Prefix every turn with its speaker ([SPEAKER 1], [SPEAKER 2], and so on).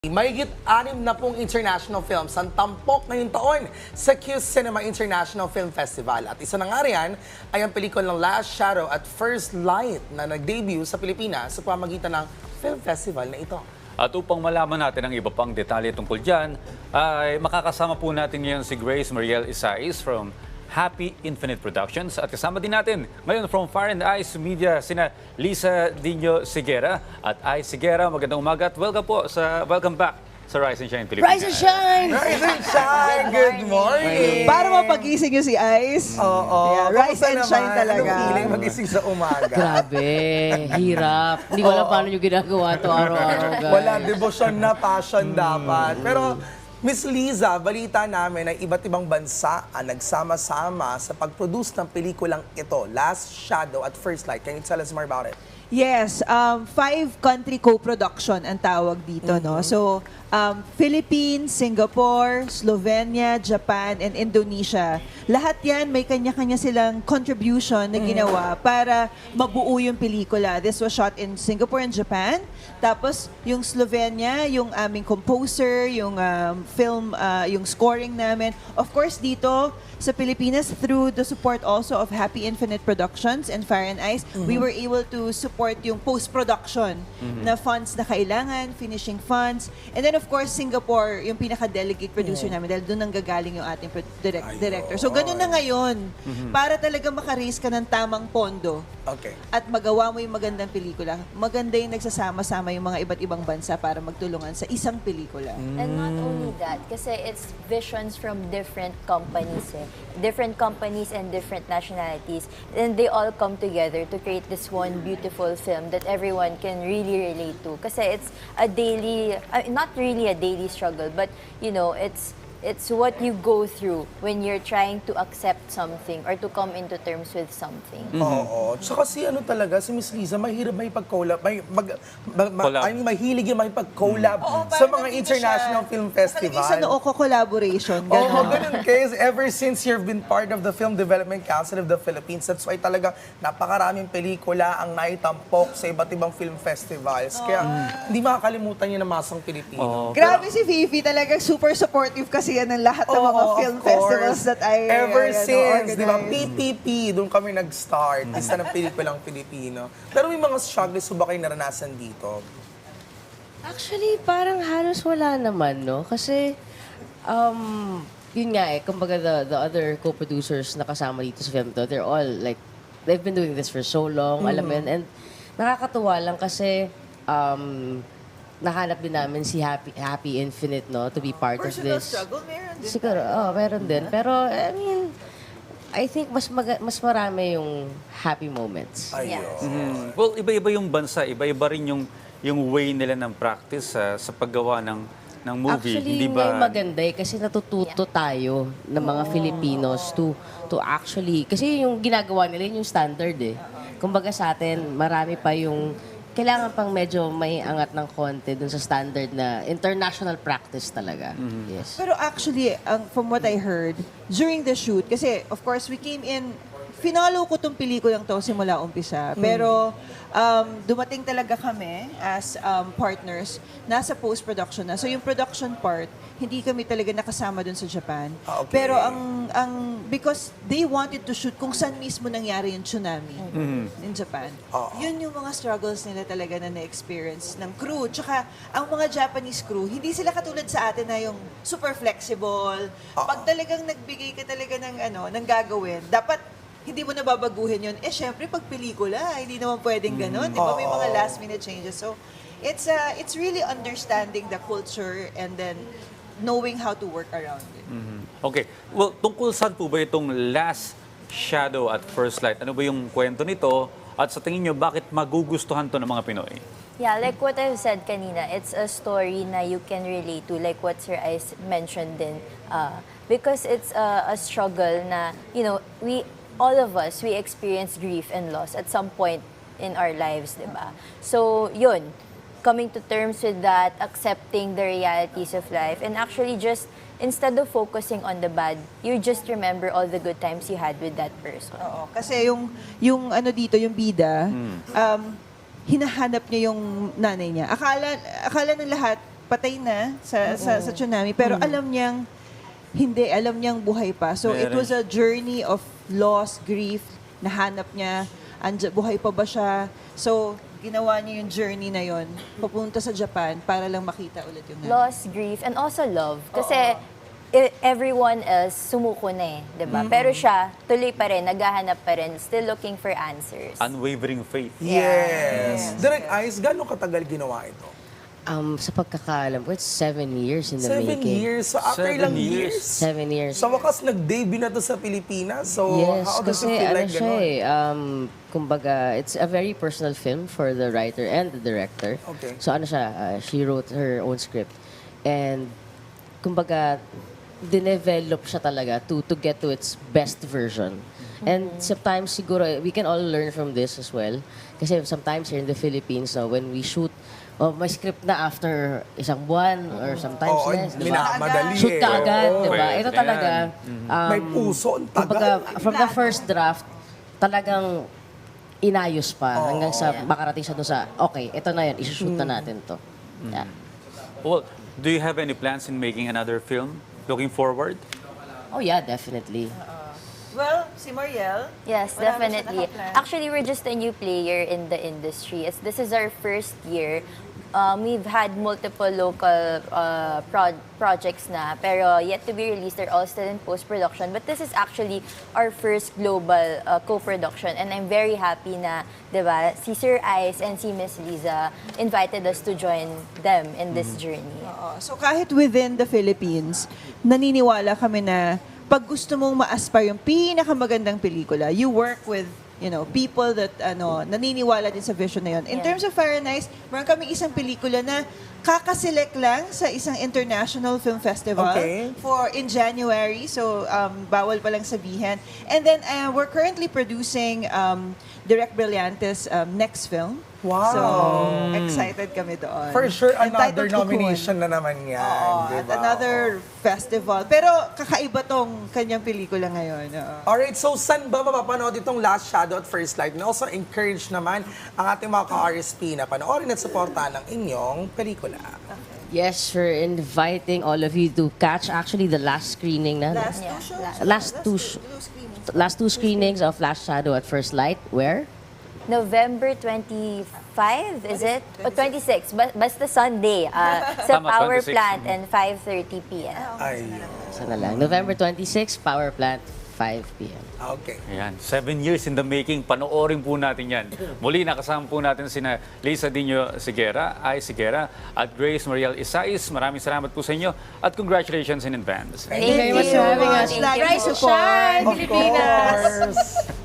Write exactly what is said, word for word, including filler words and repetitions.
[SPEAKER 1] Mahigit anim na pong international films ang tampok ngayong taon sa Q Cinema International Film Festival. At isa na nga riyan ay ang pelikulang Last Shadow at First Light na nag-debut sa Pilipinas sa pamagitan ng film festival na ito.
[SPEAKER 2] At upang malaman natin ang iba pang detalye tungkol dyan, ay makakasama po natin ngayon si Grace Mariel Isais from Happy Infinite Productions. At kasama din natin ngayon from Fire and Ice Media, sina Lisa Dino Sigera at Ice Sigera. Magandang umaga at welcome po sa, welcome back sa Rise and Shine Pilipinas.
[SPEAKER 3] Rise and Shine!
[SPEAKER 1] Rise and Shine! Good morning!
[SPEAKER 3] Para mapagising nyo si Ice.
[SPEAKER 1] Oo.
[SPEAKER 3] Yeah, rise
[SPEAKER 1] Kamusta
[SPEAKER 3] and
[SPEAKER 1] naman?
[SPEAKER 3] shine talaga.
[SPEAKER 1] Anong feeling magising sa umaga?
[SPEAKER 4] Grabe, hirap. Hindi ko alam paano nyo ginagawa to araw-araw, guys.
[SPEAKER 1] Wala, devotion na, passion dapat. Pero Miss Liza, balita namin na iba't ibang bansa ang nagsama-sama sa pag-produce ng pelikulang ito, Last Shadow at First Light. Can you tell us more about it?
[SPEAKER 3] Yes, um, five country co-production ang tawag dito, no? So, um, Philippines, Singapore, Slovenia, Japan, and Indonesia. Lahat yan, may kanya-kanya silang contribution na ginawa para mabuo yung pelikula. This was shot in Singapore and Japan. Tapos, yung Slovenia, yung aming composer, yung um, film, uh, yung scoring namin. Of course, dito sa Pilipinas, through the support also of Happy Infinite Productions and Fire and Ice, we were able to support yung post-production na funds na kailangan, finishing funds. And then, of course, Singapore, yung pinaka-delegate producer namin dahil doon nanggagaling yung ating pro- direct- director. So, ganun na ngayon. Para talaga makaraise ka ng tamang pondo
[SPEAKER 1] Okay.
[SPEAKER 3] at magawa mo yung magandang pelikula, maganda yung nagsasama-sama yung mga iba't ibang bansa para magtulungan sa isang pelikula.
[SPEAKER 5] And not only that, kasi it's visions from different companies, eh. different companies and different nationalities, and they all come together to create this one beautiful film that everyone can really relate to. Kasi it's a daily, uh, not really a daily struggle, but you know, it's it's what you go through when you're trying to accept something or to come into terms with something.
[SPEAKER 1] Oo. Tsaka si ano talaga, si Miss Liza, mahirap may pag-collab, may, mag, mag, ma-
[SPEAKER 2] Collab.
[SPEAKER 1] I mean, mahilig yung may pag-collab
[SPEAKER 3] Oo,
[SPEAKER 1] sa
[SPEAKER 3] parang
[SPEAKER 1] mga
[SPEAKER 3] nandito
[SPEAKER 1] international
[SPEAKER 3] siya.
[SPEAKER 1] film
[SPEAKER 3] Nakalagay
[SPEAKER 1] festival.
[SPEAKER 3] sa noo ko collaboration.
[SPEAKER 1] Oo,
[SPEAKER 3] Ganun.
[SPEAKER 1] ganun case. Ever since you've been part of the Film Development Council of the Philippines, that's why talaga napakaraming pelikula ang naitampok sa iba't ibang film festivals. Kaya hindi makakalimutan yun ng masang Pilipino.
[SPEAKER 3] Grabe si Fifi, talagang super supportive kasi yan ng lahat ng mga
[SPEAKER 1] Oo,
[SPEAKER 3] film
[SPEAKER 1] of course.
[SPEAKER 3] festivals that I
[SPEAKER 1] Ever
[SPEAKER 3] I, ano,
[SPEAKER 1] since, di ba, P
[SPEAKER 3] organize.
[SPEAKER 1] P P, doon kami nag-start. Isa ng pelikulang Pilipino. Pero may mga struggles ba kayo naranasan dito?
[SPEAKER 4] Actually, parang halos wala naman, no? Kasi, um, yun nga eh, kumbaga the, the other co-producers na kasama dito sa film to, they're all like, they've been doing this for so long, alam mo yun. And nakakatuwa lang kasi, um, nahanap din namin si Happy Happy Infinite, no? To be part
[SPEAKER 3] Personal
[SPEAKER 4] of this.
[SPEAKER 3] struggle, meron din.
[SPEAKER 4] Siguro, oh, meron din. Pero, I mean, I think mas maga- mas marami yung happy moments.
[SPEAKER 1] Ayun.
[SPEAKER 2] Mm. Well, iba-iba yung bansa, iba-iba rin yung, yung way nila ng practice sa sa paggawa ng, ng movie.
[SPEAKER 4] Actually,
[SPEAKER 2] Hindi
[SPEAKER 4] yun
[SPEAKER 2] ba?
[SPEAKER 4] nga yung maganda eh, kasi natututo tayo ng mga Filipinos to to actually, kasi yung ginagawa nila yun yung standard eh. Kumbaga sa atin, marami pa yung, kailangan pang medyo may angat ng konti dun sa standard na international practice talaga. Yes.
[SPEAKER 3] Pero actually, ang, from what I heard, during the shoot, kasi of course we came in, finalo ko tong pelikulang to simula umpisa. Pero um, dumating talaga kami as um, partners, nasa post-production na. So yung production part, hindi kami talaga nakasama dun sa Japan.
[SPEAKER 1] Ah, okay.
[SPEAKER 3] Pero ang, ang, because they wanted to shoot kung saan mismo nangyari yung tsunami in Japan.
[SPEAKER 1] Oo.
[SPEAKER 3] Yun yung mga struggles nila talaga na na-experience ng crew. Tsaka, ang mga Japanese crew, hindi sila katulad sa atin na yung super flexible. Pag talagang nagbigay ka talaga ng, ano, ng gagawin, dapat hindi mo nababaguhin yun. Eh, syempre, pag pelikula, hindi naman pwedeng ganun. Di ba? May mga last-minute changes. So, it's uh, it's really understanding the culture and then knowing how to work around it.
[SPEAKER 2] Okay. Well, tungkol saan po ba itong Last Shadow at First Light? Ano ba yung kwento nito? At sa tingin nyo, bakit magugustuhan to ng mga Pinoy?
[SPEAKER 5] Yeah, like what I've said kanina, it's a story na you can relate to, like what Sir Ice mentioned din. Uh, because it's a, a struggle na, you know, we, all of us, we experience grief and loss at some point in our lives, di ba? So, yun, coming to terms with that, accepting the realities of life, and actually just, instead of focusing on the bad, you just remember all the good times you had with that person.
[SPEAKER 3] Oo. Kasi yung, yung ano dito, yung bida, um, hinahanap niya yung nanay niya. Akala, akala ng lahat, patay na sa, sa, sa tsunami, pero alam niyang, hindi, alam niyang buhay pa. So it
[SPEAKER 2] Meron.
[SPEAKER 3] was a journey of loss, grief, nahanap niya, andya, buhay pa ba siya. So ginawa niya yung journey na yon, papunta sa Japan para lang makita ulit yung nanay.
[SPEAKER 5] Loss, grief, and also love. Kasi i- everyone else sumuko na eh, di ba? Pero siya, tuloy pa rin, naghahanap pa rin, still looking for answers.
[SPEAKER 2] Unwavering faith.
[SPEAKER 1] Yes. Direct Ice, gano'ng katagal ginawa ito?
[SPEAKER 4] Um, sa pagkakaalam ko, it's seven years in the
[SPEAKER 1] Seven
[SPEAKER 4] making.
[SPEAKER 1] years. So after
[SPEAKER 2] Seven
[SPEAKER 1] ilang
[SPEAKER 2] years.
[SPEAKER 1] years,
[SPEAKER 4] Seven years.
[SPEAKER 1] sa wakas nag-debut na to sa Pilipinas. So
[SPEAKER 4] Yes,
[SPEAKER 1] how does
[SPEAKER 4] kasi
[SPEAKER 1] it feel
[SPEAKER 4] ano
[SPEAKER 1] like
[SPEAKER 4] siya
[SPEAKER 1] gano'n?
[SPEAKER 4] eh, um, kumbaga, it's a very personal film for the writer and the director.
[SPEAKER 1] Okay.
[SPEAKER 4] So ano siya, uh, she wrote her own script. And kumbaga, dinevelop siya talaga to to get to its best version. And sometimes siguro, we can all learn from this as well. Kasi sometimes here in the Philippines, no, when we shoot, oh, may script na after isang buwan or sometimes
[SPEAKER 1] Oo,
[SPEAKER 4] less, di ba?
[SPEAKER 1] minamadali
[SPEAKER 4] Shoot
[SPEAKER 1] eh.
[SPEAKER 4] ka agad,
[SPEAKER 1] Oo.
[SPEAKER 4] di ba?
[SPEAKER 2] Pwede
[SPEAKER 4] Ito
[SPEAKER 2] yan.
[SPEAKER 4] talaga, um,
[SPEAKER 1] May puso, ang
[SPEAKER 4] kumbaga,
[SPEAKER 1] tagal.
[SPEAKER 4] from the first draft, talagang inayos pa hanggang sa makarating siya doon sa, okay, ito na yan, isushoot na natin to. Yeah.
[SPEAKER 2] Well, do you have any plans in making another film? Looking forward?
[SPEAKER 4] Oh yeah, definitely.
[SPEAKER 3] Well, si Mariel,
[SPEAKER 5] Yes,
[SPEAKER 3] wala na siya
[SPEAKER 5] definitely.
[SPEAKER 3] nakaplan.
[SPEAKER 5] Actually, we're just a new player in the industry. It's, this is our first year. Um, we've had multiple local uh, pro- projects na, pero yet to be released. They're all still in post-production. But this is actually our first global uh, co-production. And I'm very happy na, di ba, si Sir Ice and si Miss Liza invited us to join them in this journey.
[SPEAKER 3] Oo. So kahit within the Philippines, naniniwala kami na pag gusto mong ma-aspire yung pinakamagandang pelikula, you work with you know, people that ano naniniwala din sa vision na yun. In
[SPEAKER 5] Yeah.
[SPEAKER 3] terms of Fire and Ice, meron kaming isang pelikula na kakaselect lang sa isang international film festival
[SPEAKER 1] Okay.
[SPEAKER 3] for in January. So um, bawal pa lang sabihin. And then uh, we're currently producing um, Direct Brillantes um, next film.
[SPEAKER 1] Wow.
[SPEAKER 3] So excited kami doon.
[SPEAKER 1] For sure, another
[SPEAKER 3] Entitled Cocoon.
[SPEAKER 1] nomination na naman yan.
[SPEAKER 3] Oo,
[SPEAKER 1] di
[SPEAKER 3] at
[SPEAKER 1] ba?
[SPEAKER 3] another festival. Pero kakaiba tong kanyang pelikula ngayon. Oo.
[SPEAKER 1] Alright, so saan ba mapapanood itong Last Shadow at First Light? And also encourage naman ang ating mga ka-R S P na panoorin at suportahan ng inyong pelikula.
[SPEAKER 4] Yes, we're inviting all of you to catch actually the last screening na.
[SPEAKER 3] Last
[SPEAKER 5] Yeah,
[SPEAKER 3] two shows?
[SPEAKER 5] last-
[SPEAKER 4] Last two sh-
[SPEAKER 3] screenings.
[SPEAKER 4] Last two screenings of Last Shadow at First Light. Where?
[SPEAKER 5] November twenty-fifth, is it? O twenty-six, ba- basta Sunday. Uh, sa
[SPEAKER 2] Tama,
[SPEAKER 5] Power
[SPEAKER 2] twenty-six.
[SPEAKER 5] Plant and five thirty p.m.
[SPEAKER 1] Ayun.
[SPEAKER 4] Sana lang. November twenty-sixth, Power Plant, five p.m.
[SPEAKER 1] Okay.
[SPEAKER 2] Ayan, seven years in the making. Panoorin po natin yan. Muli, nakasama po natin sina Liza Dino Sigera, Ay Sigera, at Grace Mariel Isais. Maraming salamat po sa inyo at congratulations in advance.
[SPEAKER 5] Thank you very much for having us.
[SPEAKER 3] Lagi
[SPEAKER 5] Rise to
[SPEAKER 3] support.
[SPEAKER 5] shine,
[SPEAKER 1] Of
[SPEAKER 5] Pilipinas!
[SPEAKER 1] course.